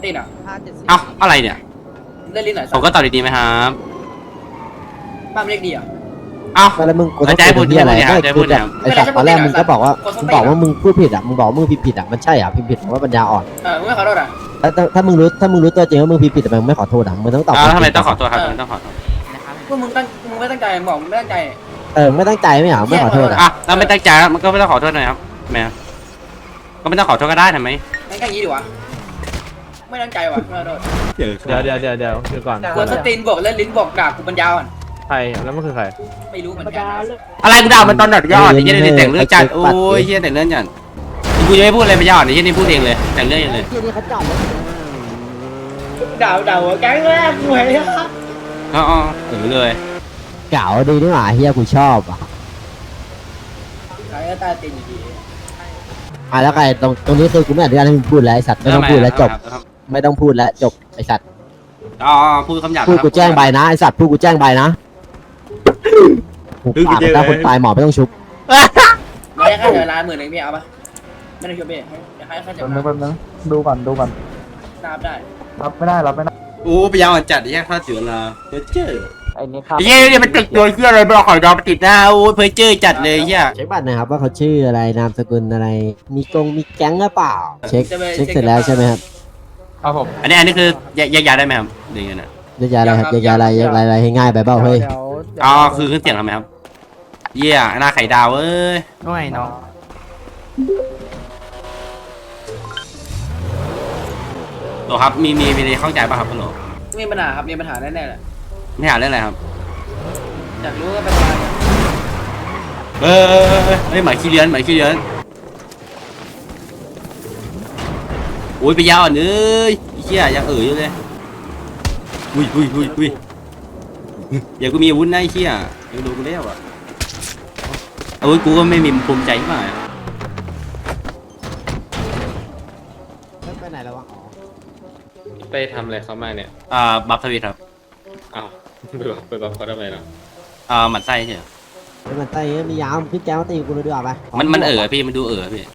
ตีนอ่ะเอ้าอะไรเนี่ยเล่นลิ้นหน่อยผมก็ตอบดีๆไหมครับบ้านเล็กดีอ่ะเอ้าแล้วมึงกูต้องจะให้พูดที่อะไรจะให้ไม่พูกูดจะนะครับไอ้สัตว์ตอนแรกมึงก็บอกว่ามึงบอกว่ามึงพูดผิดอ่ะมึงบอกว่ามึงพิมพ์ผิดอ่ะมันใช่อ่ะพิมพ์ผิดว่าปัญญาอ่อนมึงไม่ขอโทษอ่ะแล้วถ้ามึงรู้ตัวจริงว่ามึงพิมพ์ผิดแต่มึงไม่ขอโทษอ่ะมึงต้องตอบแล้วทำไมต้องขอโทษครับทำไมต้องขอโทษพวกมึงไม่ตั้งใจบอกมึงไม่ตั้งใจไม่ตั้งใจไม่เหรอไม่ขอโทษอ่ะอ่ะแล้วไม่ตั้งใจมันก็ไม่ต้องขอโทษหน่อยครับแม่ก็ไม่ต้องขอโทษก็ได้ทำไมงั้นก็อย่างนี้ดีวะไม่ตั้งใจว่ะไม่ขอโทษเดี๋ยวคือก่อนกวนสตีนบอกเล่นลิ้นบอกด่ากูปัญญาอ่อนใครแล้วมันคือใครไม่รู้เหมือนกันอะไรกูด่ามันตอนดัดยอดไอ้เหี้ยนี่แต่งเรื่องจัดโอ้ยเหี้ยแต่งเรื่องจัดกูยังไม่พูดอะไรไปยอดไอ้เหี้ยนี่พูดเองเลยแต่งเรื่องเองเลยที่นี่เขาจอดรถด่าหัวแก๊งแรกกูเห็นอ๋อเลยเก๋าดีนี่หว่าเฮียกูชอบอ่ะใครก็ตาตีนอยู่ดีแล้วใครตรงนี้คือกูไม่อนุญาตให้มึงพูดแล้วไอ้สัตว์ไม่ต้องพูดแล้วจบไม่ต้องพูดแล้วจบไอ้สัตว์อ๋อพูดคำหยาบพูดกูแจ้งใบนะไอ้สัตว์พูดกูแจ้งใบนะปากถ้าคนตายหมอไม่ต้องชุบไม่ได้ค่าเดือนละ10,000พี่เอาปะไม่ได้ช่วยพี่ให้ค่าเดือนแป๊บนึงดูก่อนนับได้รับไม่ได้โอ้ไปยาวจัดไอ้เหี้ยข้าเสือละเพอเจอไอ้นี่ครับไอ้เหี้ยเนี่ยมันติดโดนเครื่องอะไรบล็อกหอยดอมติดหน้าโอ้เพอเจอจัดเลยเหี้ยเช็คบัตรนะครับว่าเขาชื่ออะไรนามสกุลอะไรมีแก๊งหรือเปล่าเช็คเสร็จแล้วใช่ไหมครับครับผมอันนี้คือแยกย้ายได้ไหมครับหรือยังไงนะยกย้ายอะไรครับยกย้ายอะไรให้ง่ายไปเปล่าเฮ้ยอ๋อคือเครื่องเสียงทำไมครับเหี้ยหน้าไข่ดาวเอ้ยด้วยเนาะโหลครับมีอะไรเข้าใจป่ะครับโหลมีปัญหาครับมีปัญหาแน่ๆแหละไม่หาเรื่องอะไรครับอยากรู้ว่าปัญหาเฮ้ยหมายขี้เลื้อนโอ้ยไปยาวอ่ะเอ้ยเหี้ยยังอยู่เลยอุ้ยอย่ากูมีอาวุธนะไอ้เหี้ยยังดูกูแล้วอ่ะอาวุธกูก็ไม่มีภูมิใจที่ไหนไปไหนแล้ววะไปทำอะไรเขามาเนี่ยบัฟทวิตครับอ้าวไปบอกเขาทำไมเนาะหมันไส้เฉยมันไต่ไม่ยาวขึ้นแก้วตีกูเลยดีกว่าไปมันพี่มันดูพี่